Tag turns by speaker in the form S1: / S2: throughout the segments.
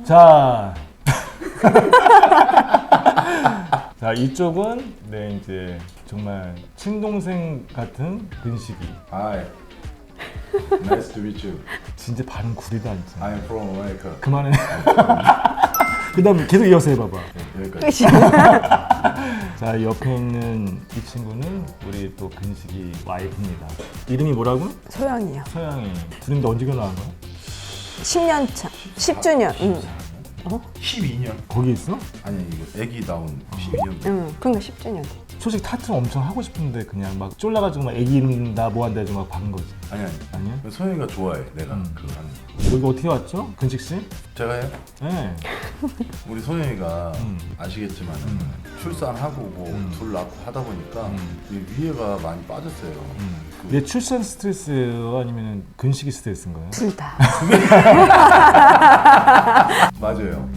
S1: 자, 자 이쪽은 네 이제 정말 친동생 같은 근식이.
S2: Hi. Nice to meet you.
S1: 진짜 발음 구리다 진짜.
S2: I am from America.
S1: 그만해. 그다음 계속 이어서 해봐봐.
S2: 여기까지.
S1: 자 옆에 있는 이 친구는 우리 또 근식이 와이프입니다. 이름이 뭐라고?
S3: 소영이요.
S1: 서양이. 둘인데 언제 결혼한 거야?
S3: 10년 차. 10주년. 응.
S2: 12년.
S1: 거기 있어?
S2: 아니 이거 애기 나온 12년.
S3: 응. 그러니까 10주년.
S1: 솔직히 타투 엄청 하고 싶은데 그냥 막 쫄라가지고 막 애기 이른다 뭐 한다 해서 막 박은 거지.
S2: 아니.
S1: 아니야?
S2: 소영이가 좋아해. 내가 그거 하는 거.
S1: 여기 어떻게 왔죠? 근식 씨?
S2: 제가 해요?
S1: 네.
S2: 우리 소영이가 아시겠지만 출산하고 뭐 둘 낳고 하다 보니까 이 위에가 많이 빠졌어요.
S1: 얘 출산 스트레스예요? 아니면 근식이 스트레스인가요?
S3: 둘 다.
S2: 맞아요.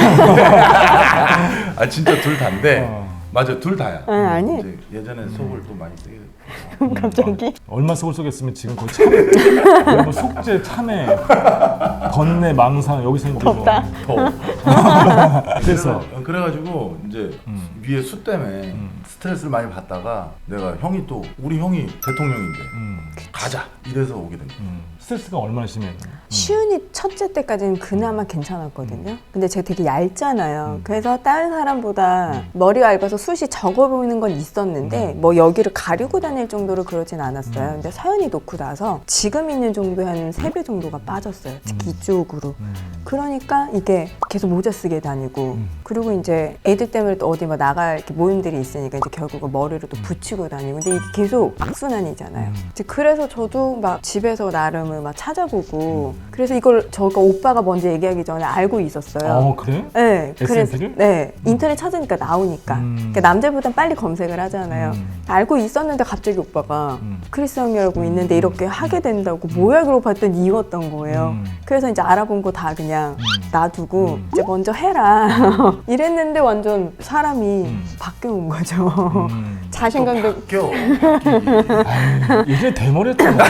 S2: 아 진짜 둘 다인데 맞아 둘 다야.
S3: 아니.
S2: 이제 예전에 속을 또 많이 쓰게
S3: 갑자기?
S1: 얼마 속을 쏘겠으면 지금 거의 참회, 뭐 속죄, 참회, 건네, 망상 여기서 이제
S3: 덥다.
S1: 뭐. 그래서
S2: 그래가지고 이제 위에 수 때문에 스트레스를 많이 받다가 내가 형이 또 우리 형이 대통령인데 가자 이래서 오게 된 거야.
S1: 스트레스가 얼마나 심해?
S3: 시윤이 첫째 때까지는 그나마 괜찮았거든요. 근데 제가 되게 얇잖아요. 그래서 다른 사람보다 머리가 얇아서 숱이 적어 보이는 건 있었는데 뭐 여기를 가리고 다닐 정도로 그러진 않았어요. 근데 서연이 놓고 나서 지금 있는 정도의 한 3배 정도가 빠졌어요. 특히 이쪽으로. 그러니까 이게 계속 모자 쓰게 다니고 그리고 이제 애들 때문에 또 어디 뭐 나갈 이렇게 모임들이 있으니까 이제 결국은 머리를 또 붙이고 다니고 근데 이게 계속 악순환이잖아요. 이제 그래서 저도 막 집에서 나름을 막 찾아보고 그래서 이걸 저가 오빠가 먼저 얘기하기 전에 알고 있었어요.
S1: 그래?
S3: 네, 그래서
S1: SNS를?
S3: 네 인터넷 찾으니까 나오니까 그러니까 남자보단 빨리 검색을 하잖아요. 알고 있었는데 갑자기 오빠가 크리스 형이라고 있는데 이렇게 하게 된다고 뭐야 그러고 봤더니 이었던 거예요. 그래서 이제 알아본 거 다 그냥 놔두고 이제 먼저 해라 이랬는데 완전 사람이 바뀌어온 거죠. 자신감도
S2: 바뀌어.
S1: 예전에 대머리였잖아.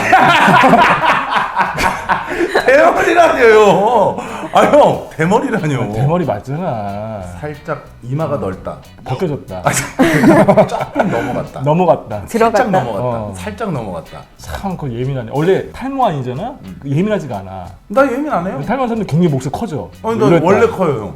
S2: 대머리라뇨. 아 형 대머리라뇨.
S1: 대머리 맞잖아.
S2: 살짝 이마가 넓다.
S1: 벗겨졌다.
S2: 조금 넘어갔다.
S1: 넘어갔다.
S2: 살짝
S3: 들어갔다.
S2: 넘어갔다. 살짝 넘어갔다.
S1: 참 그거 예민하네. 원래 탈모 아니잖아? 예민하지가 않아.
S2: 나 예민 안 해요.
S1: 탈모한 사람들 굉장히 목소리 커져.
S2: 아니 나
S1: 이랬다.
S2: 원래 커요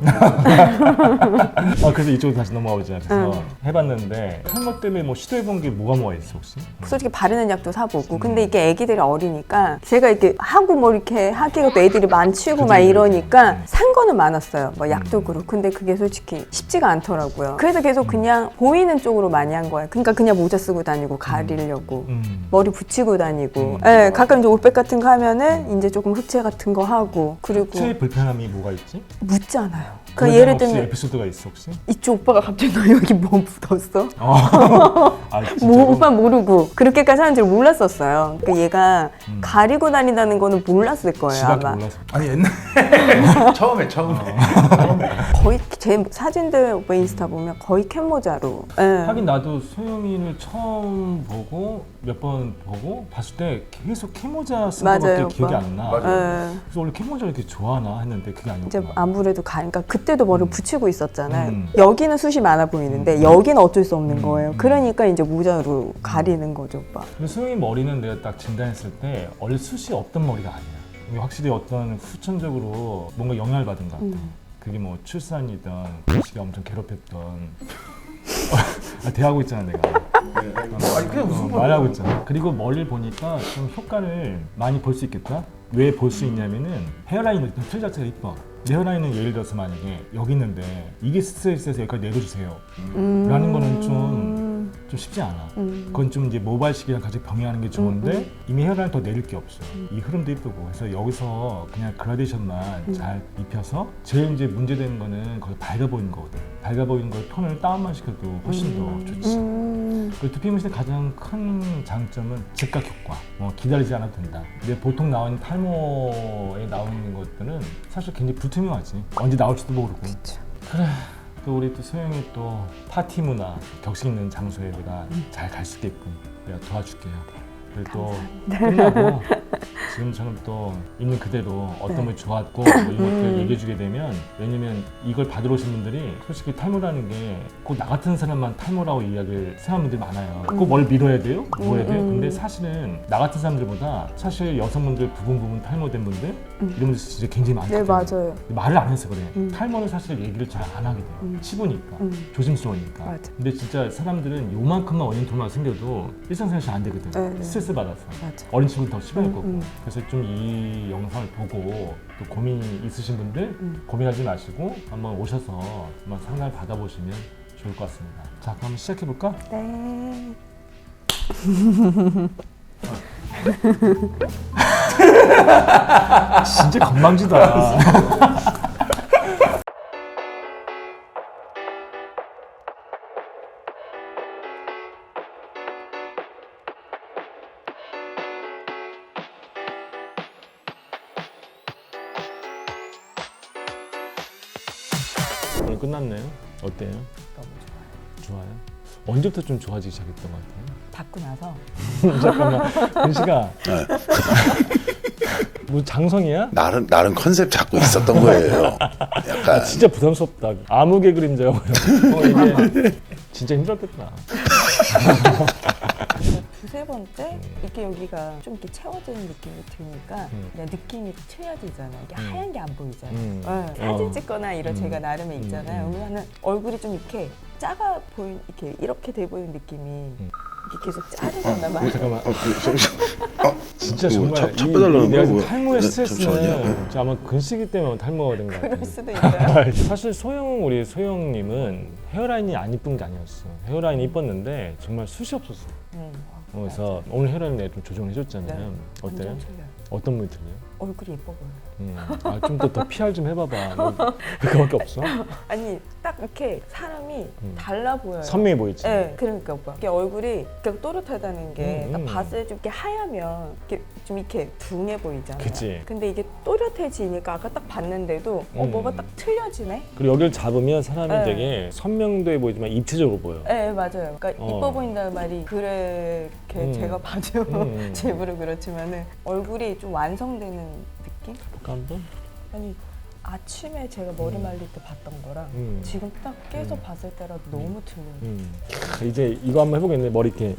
S2: 형.
S1: 그래서 이쪽으로 다시 넘어가 보자. 그래서 해봤는데 탈모 때문에 뭐 시도해본 게 뭐가 있어 혹시?
S3: 솔직히 바르는 약도 사보고 근데 이게 애기들이 어리니까 제가 이렇게 하고 뭐 이렇게 하기가 또 애들이 많치고 막 이러니까 산 거는 많았어요. 뭐 약도 그렇고 근데 그게 솔직히 쉽지가 않더라고요. 그래서 계속 그냥 보이는 쪽으로 많이 한 거예요. 그러니까 그냥 모자 쓰고 다니고 가리려고 머리 붙이고 다니고 예, 가끔 이제 올백 같은 거 하면은 이제 조금 흑채 같은 거 하고 그리고
S1: 최 불편함이 뭐가 있지?
S3: 묻잖아요. 그
S1: 그런
S3: 예를
S1: 혹시
S3: 들면
S1: 에피소드가 있어 혹시?
S3: 이쪽 오빠가 갑자기 너 여기 뭐 묻었어?
S1: 아,
S3: 뭐 오빠 모르고 그렇게까지 하는 줄 몰랐었어요. 그러니까 얘가 가리고 다닌다는 거는 몰랐을 거예요
S1: 지밖에
S3: 아마.
S1: 몰라서.
S2: 아니 옛날에 처음에
S3: 거의 제 사진들 오빠 인스타 보면 거의 캡모자로. 예.
S1: 하긴 나도 소영이를 처음 보고 몇 번 보고 봤을 때 계속 캐모자 쓴
S3: 맞아요,
S1: 거밖에 기억이
S3: 오빠.
S1: 안 나.
S2: 맞아요.
S3: 예.
S1: 그래서 원래 캐모자 이렇게 좋아하나 했는데 그게 아니었구나.
S3: 이제 아무래도 그러니까 그때도 머리를 붙이고 있었잖아요. 여기는 숱이 많아 보이는데 여기는 어쩔 수 없는 거예요. 그러니까 이제 모자로 가리는 거죠, 오빠.
S1: 근데 소영이 머리는 내가 딱 진단했을 때 원래 숱이 없던 머리가 아니야. 이게 확실히 어떤 후천적으로 뭔가 영향을 받은 것 같아. 그게 뭐 출산이든 시가 엄청 괴롭혔던 대하고 있잖아 내가.
S2: 아니 그냥 무슨
S1: 말하고 있잖아. 그리고 머리를 보니까 좀 효과를 많이 볼 수 있겠다. 왜 볼 수 있냐면은 헤어라인 틀 자체가 이뻐. 내 헤어라인은 예를 들어서 만약에 여기 있는데 이게 스트레스에서 여기까지 내려주세요 라는 거는 좀 쉽지 않아. 그건 좀 이제 모발식이랑 같이 병행하는 게 좋은데 이미 헤어라인 더 내릴 게 없어. 이 흐름도 이쁘고 그래서 여기서 그냥 그라데이션만 잘 입혀서 제일 이제 문제되는 거는 거기 밝아 보이는 거거든. 밝아 보이는 걸 톤을 다운만 시켜도 훨씬 더 좋지. 그리고 두피 문신의 가장 큰 장점은 즉각 효과. 기다리지 않아도 된다. 근데 보통 나오는 탈모에 나오는 것들은 사실 굉장히 불투명하지. 언제 나올지도 모르고.
S3: 그쵸.
S1: 그래. 또 우리 또 소영이 또 파티 문화 격식 있는 장소에 내가 잘 갈 수 있게끔 내가 도와줄게요. 그리고 또 끝나고 지금처럼 또 있는 그대로 어떤
S3: 네.
S1: 분이 좋았고 뭐 이런 것들 얘기해주게 되면, 왜냐면 이걸 받으러 오신 분들이 솔직히 탈모라는 게 꼭 나 같은 사람만 탈모라고 이야기를 생각하는 분들이 많아요. 꼭 뭘 밀어야 돼요? 뭐 해야 돼요? 근데 사실은 나 같은 사람들보다 사실 여성분들 부분 탈모된 분들 이런 분들 진짜 굉장히 많거든요.
S3: 네, 맞아요.
S1: 말을 안 해서 그래. 탈모는 사실 얘기를 잘 안 하게 돼요. 치부니까, 조심스러우니까.
S3: 맞아.
S1: 근데 진짜 사람들은 요만큼만 원인 돌만 생겨도 일상생활 잘 안 되거든.
S3: 네.
S1: 스트레스 받아서.
S3: 맞아.
S1: 어린 친구는 더 심할 거고. 그래서 좀 이 영상을 보고 또 고민이 있으신 분들 고민하지 마시고 한번 오셔서 한번 상담을 받아보시면 좋을 것 같습니다. 자, 그럼 시작해 볼까?
S3: 네.
S1: 진짜 건방지다. 오늘 끝났네요. 어때요?
S3: 너무 좋아요.
S1: 좋아요? 언제부터 좀 좋아지기 시작했던 것 같아요?
S3: 받고 나서
S1: 잠깐만, 근시가
S4: 네.
S1: 뭐 장성이야?
S4: 나름 컨셉 잡고 있었던 거예요. 약간
S1: 진짜 부담스럽다. 암흑의 그림자가 뭐야? 이게 진짜 힘들었겠다.
S3: 두세 번째 이렇게 여기가 좀 이렇게 채워지는 느낌이 드니까 그냥 느낌이 틀려지잖아요. 이게 하얀 게 안 보이잖아요. 네, 사진 찍거나 이런 제가 나름에 있잖아요. 그러면은 얼굴이 좀 이렇게 작아 보인, 이렇게 돼 보이는 느낌이 이게 계속 작아졌나 봐요.
S1: 잠깐만. 진짜
S4: 뭐,
S1: 정말
S4: 잡혀달라는
S1: 내가
S4: 거
S1: 지금
S4: 뭐.
S1: 탈모의
S4: 네,
S1: 스트레스는
S4: 잠시만요.
S1: 아마 근시기 때문에 탈모가 된 것 같아요.
S3: 그럴 수도 있어요.
S1: 사실 우리 소영님은 헤어라인이 안 이쁜 게 아니었어. 헤어라인이 이뻤는데 정말 숱이 없었어. 그래서 오늘 헤어라인 내가 좀 조정을 해줬잖아요.
S3: 네.
S1: 어때요?
S3: 완전 틀려요.
S1: 어떤 분이 틀려요?
S3: 얼굴이 예뻐 보여요.
S1: 좀 더 PR 좀 해봐봐. 뭐, 그거밖에 없어?
S3: 아니 딱 이렇게 사람이 달라 보여요.
S1: 선명해 보이지?
S3: 네, 그러니까 오빠. 이게 얼굴이 이렇게 또렷하다는 게 딱 봤을 때 좀 이렇게 하얗면 이렇게 좀 이렇게 둥해 보이잖아요.
S1: 그치.
S3: 근데 이게 또렷해지니까 아까 딱 봤는데도 뭐가 딱 틀려지네.
S1: 그리고 여기를 잡으면 사람이
S3: 네.
S1: 되게 선명도해 보이지만 입체적으로 보여.
S3: 네, 맞아요. 그러니까
S1: 어.
S3: 이뻐 보인다는 말이 그렇게 제가 봐도 제 입으로 그렇지만은 얼굴이 좀 완성되는 느낌?
S1: 볼까 한번?
S3: 아니 아침에 제가 머리 말릴 때 봤던 거랑 지금 딱 깨서 봤을 때랑 너무 틀려요.
S1: 이제 이거 한번 해보겠네. 머리 이렇게.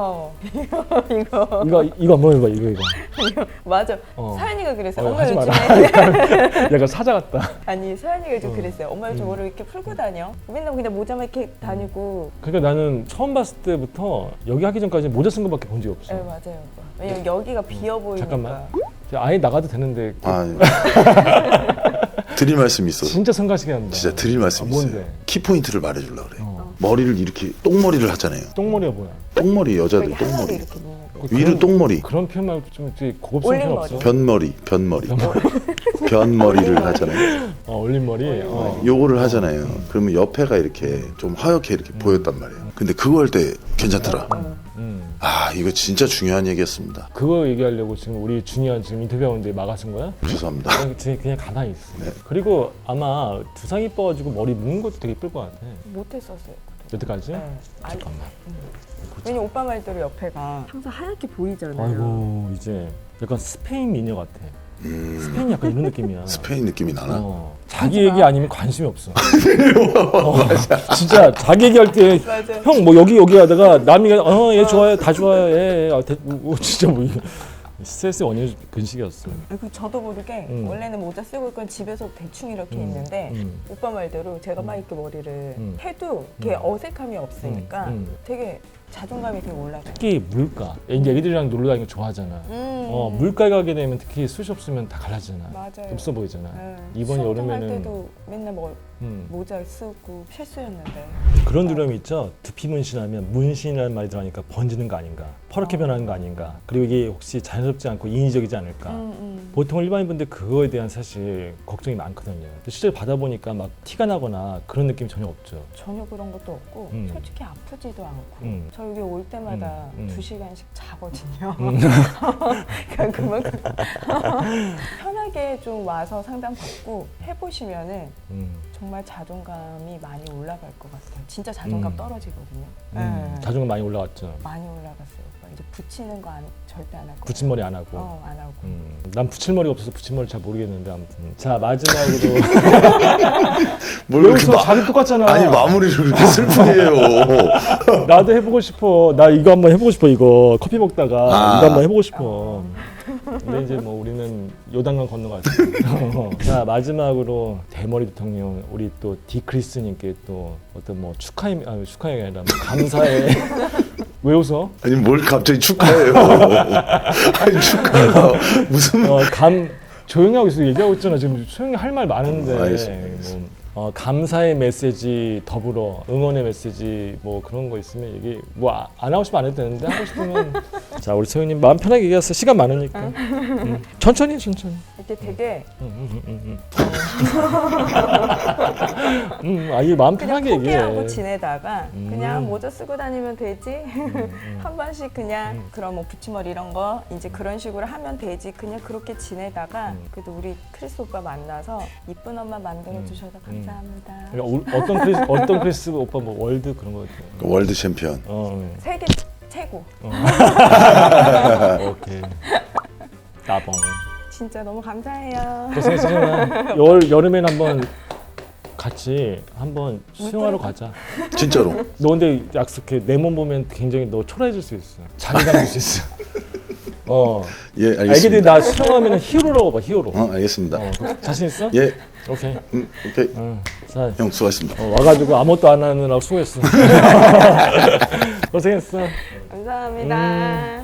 S3: 이거
S1: 이거 한번 해봐. 이거.
S3: 맞아.
S1: 어.
S3: 서연이가 그랬어요. 엄마
S1: 하지 마라.
S3: 요즘에
S1: 약간 사자 같다.
S3: 아니 서연이가 좀 그랬어요. 엄마 요즘 머리 이렇게 풀고 다녀. 맨날 그냥 모자만 이렇게 다니고.
S1: 그러니까 나는 처음 봤을 때부터 여기 하기 전까지 모자 쓴 거밖에 본 적이 없어.
S3: 네 맞아요. 왜냐면 여기가 비어 보이니까.
S1: 잠깐만. 아예 나가도 되는데
S4: 드릴 말씀이 있어.
S1: 진짜 성가시게 한다.
S4: 진짜 드릴 말씀이 있어요.
S1: 뭔데?
S4: 키포인트를 말해주려고 그래.
S1: 어.
S4: 머리를 이렇게 똥머리를 하잖아요.
S1: 똥머리가 뭐야?
S4: 똥머리 여자들
S3: 여기 하나도
S4: 똥머리.
S3: 이렇게 있는 거.
S4: 위로 똥머리.
S1: 그런 표현 말고 좀 되게 고급스러운 표현
S3: 올림머리.
S1: 없어?
S4: 변머리. 변머리를 하잖아요.
S1: 올림머리.
S4: 요거를 하잖아요. 그러면 옆에가 이렇게 좀 하얗게 이렇게 보였단 말이에요. 근데 그거 할 때 괜찮더라. 아, 이거 진짜 중요한 얘기였습니다.
S1: 그거 얘기하려고 지금 우리 주니어 지금 인터뷰하는데 막아쓴 거야?
S4: 죄송합니다.
S1: 그냥 가만히 있어.
S4: 네.
S1: 그리고 아마 두상 이뻐가지고 머리 묶는 것도 되게 이쁠 것 같아.
S3: 못했었어요.
S1: 여태까지?
S3: 네. 아니,
S1: 잠깐만.
S3: 왜냐면 오빠 말대로 옆에가 항상 하얗게 보이잖아요.
S1: 아이고 이제 약간 스페인 미녀 같아. 스페인 약간 이런 느낌이야.
S4: 스페인 느낌이 나나?
S1: 자기 얘기 아니면 관심이 없어. 진짜 자기 얘기할 때
S3: 맞아.
S1: 형 뭐 여기 하다가 남이 얘 좋아요 다 좋아요 얘 진짜 뭐 이거 스트레스 원인 근식이었어.
S3: 그리고 저도 모르게 원래는 모자 쓰고 있건 집에서 대충 이렇게 있는데 오빠 말대로 제가 막 이렇게 머리를 해도 이렇게 어색함이 없으니까 되게 자존감이 되게 올라가요.
S1: 특히 물가. 이제 애기들이랑 놀러 다니는 거 좋아하잖아. 물가에 가게 되면 특히 숱이 없으면 다 갈라지잖아.
S3: 맞아요.
S1: 없어 보이잖아.
S3: 네.
S1: 이번
S3: 수영장
S1: 여름에는
S3: 할 때도 맨날 모자 쓰고 필수였는데
S1: 그런 두려움이 있죠. 두피 문신하면 문신이라는 말이 들어가니까 번지는 거 아닌가, 퍼렇게 변하는 거 아닌가, 그리고 이게 혹시 자연스럽지 않고 인위적이지 않을까. 보통 일반인분들 그거에 대한 사실 걱정이 많거든요. 실제로 받아보니까 막 티가 나거나 그런 느낌이 전혀 없죠.
S3: 전혀 그런 것도 없고 솔직히 아프지도 않고 저 여기 올 때마다 2시간씩 자거든요. 그러니까 그만큼 편하게 좀 와서 상담 받고 해보시면은 정말 자존감이 많이 올라갈 것 같아요. 진짜 자존감 떨어지거든요. 네.
S1: 자존감 많이 올라갔죠.
S3: 많이 올라갔어요. 오빠 이제 붙이는 거 절대 안 하고.
S1: 붙임머리 안 하고.
S3: 안 하고.
S1: 난 붙임머리가 없어서 붙임머리 잘 모르겠는데 아무튼. 자 마지막으로.
S4: 뭘
S1: 왜
S4: 그렇게
S1: 웃어? 자기 똑같잖아.
S4: 아니 마무리를 그렇게 슬프게 해요.
S1: 나도 해보고 싶어. 나 이거 한번 해보고 싶어. 이거 커피 먹다가 이거 한번 해보고 싶어. 근데 이제 뭐 우리는 요단강 건너가지. 자 마지막으로 대머리 대통령 우리 또 디크리스님께 또 어떤 뭐 축하가 아니라 뭐 감사의 왜 웃어?
S4: 아니 뭘 갑자기 축하해요. 아니 축하가 무슨
S1: 조용히 하고 있어. 얘기하고 있잖아. 지금 소영이 할 말 많은데.
S4: 알겠습니다.
S1: 감사의 메시지 더불어 응원의 메시지 뭐 그런 거 있으면 얘기 뭐 안 하고 싶으면 안 해도 되는데 하고 싶으면 자 우리 소영님 마음 편하게 얘기하세요. 시간 많으니까. 천천히.
S3: 이렇게 되게
S1: 이게 마음
S3: 그냥
S1: 편하게
S3: 포기하고
S1: 얘기해.
S3: 지내다가 그냥 모자 쓰고 다니면 되지. 한 번씩 그냥 그런 뭐 붙임머리 이런 거 이제 그런 식으로 하면 되지. 그냥 그렇게 지내다가 그래도 우리 크리스 오빠 만나서 이쁜 엄마 만들어 주셔서 감사합니다.
S1: 그러니까 어떤 크리스 오빠 뭐 월드 그런 거 같아요.
S4: 월드 챔피언.
S3: 세계 최고.
S1: 오케이. 나봉.
S3: 진짜 너무 감사해요.
S1: 고생했어. 여름엔 한번 같이 한번 수영하러 가자.
S4: 진짜로.
S1: 너 근데 약속해. 내 몸 보면 굉장히 너 초라해질 수 있어. 자기감 줄 수 있어.
S4: 예
S1: 애기들이
S4: 알겠습니다.
S1: 나 수영하면 히어로라고 봐. 히어로.
S4: 알겠습니다.
S1: 자신 있어?
S4: 예.
S1: 오케이.
S4: 오케이.
S1: 자,
S4: 형 수고하셨습니다.
S1: 와가지고 아무것도 안 하느라고 수고했어. 고생했어.
S3: 감사합니다.